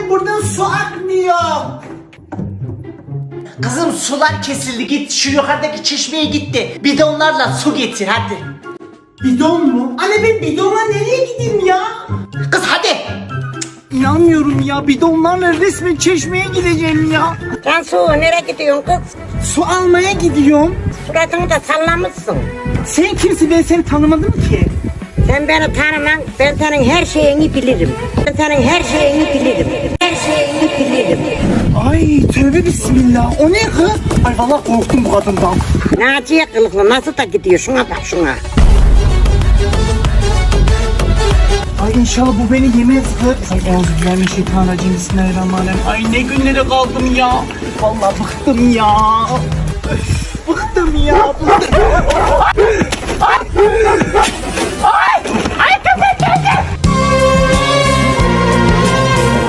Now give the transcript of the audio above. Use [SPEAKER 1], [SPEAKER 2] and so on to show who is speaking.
[SPEAKER 1] buradan su akmıyor.
[SPEAKER 2] Kızım sular kesildi, git şu yukarıdaki çeşmeye gitti. Bidonlarla su getir hadi.
[SPEAKER 1] Bidon mu? Anne ben bidonla nereye gideyim ya?
[SPEAKER 2] Kız hadi.
[SPEAKER 1] İnanmıyorum ya, bidonlarla resmen çeşmeye gideceğim ya.
[SPEAKER 3] Cansu nereye gidiyorsun kız?
[SPEAKER 1] Su almaya gidiyorum.
[SPEAKER 3] Suratını da sallamışsın.
[SPEAKER 1] Sen kimsin, ben seni tanımadım ki.
[SPEAKER 3] Sen beni tanıman, ben senin her şeyini bilirim. Ben senin her şeyini bilirim. Her şeyini bilirim.
[SPEAKER 1] Ay tövbe bismillah, o ne kız? Ay vallahi korktum bu kadından.
[SPEAKER 3] Naciye kılıklı nasıl da gidiyor, şuna bak şuna.
[SPEAKER 1] Ay inşallah bu beni yemez kız. Ay euzubillahimineşşeytanirracim, bismillahirrahmanirrahim. Ay ne günlere kaldım ya. Vallahi bıktım ya. Öf, bıktım ya. Bıktım. Ay.